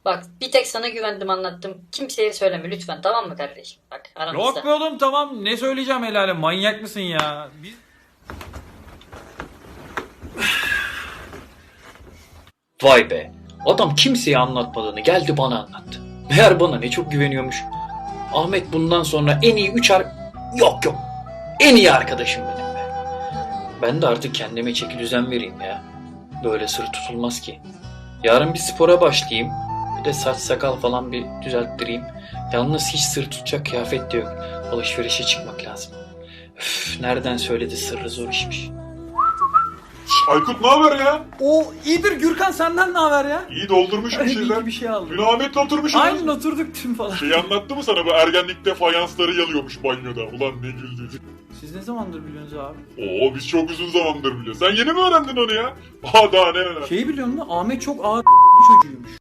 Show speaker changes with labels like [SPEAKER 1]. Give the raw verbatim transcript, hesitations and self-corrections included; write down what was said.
[SPEAKER 1] Bak bir tek sana güvendim anlattım. Kimseye söyleme lütfen tamam mı kardeşim? Bak aramızda.
[SPEAKER 2] Yok be oğlum, tamam, ne söyleyeceğim helale, manyak mısın ya? Biz...
[SPEAKER 3] Vay be. Adam kimseye anlatmadığını geldi bana anlattı. Meğer bana ne çok güveniyormuş. Ahmet bundan sonra en iyi üç ar... Yok yok. En iyi arkadaşım benim be. Ben de artık kendime çeki düzen vereyim ya. Böyle sır tutulmaz ki. Yarın bir spora başlayayım. Bir de saç sakal falan bir düzelttireyim. Yalnız hiç sır tutacak kıyafet de yok. Alışverişe çıkmak lazım. Üf, nereden söyledi, sırrı zor işmiş.
[SPEAKER 4] Aykut ne haber ya?
[SPEAKER 2] O iyidir Gürkan, senden ne haber ya?
[SPEAKER 4] İyi doldurmuş bir
[SPEAKER 2] İyi
[SPEAKER 4] şeyler.
[SPEAKER 2] ki bir şey aldım.
[SPEAKER 4] Dün Ahmet'le oturmuşuz.
[SPEAKER 2] Aynen oturduk tüm falan.
[SPEAKER 4] Şeyi anlattı mı sana, bu ergenlikte fayansları yalıyormuş banyoda. Ulan ne güldük.
[SPEAKER 2] Siz ne zamandır biliyorsunuz abi?
[SPEAKER 4] Oo biz çok uzun zamandır biliyoruz. Sen yeni mi öğrendin onu ya? Aa daha ne öğrendin?
[SPEAKER 2] Şeyi biliyor musun? Ahmet çok ağır çocuğuymuş.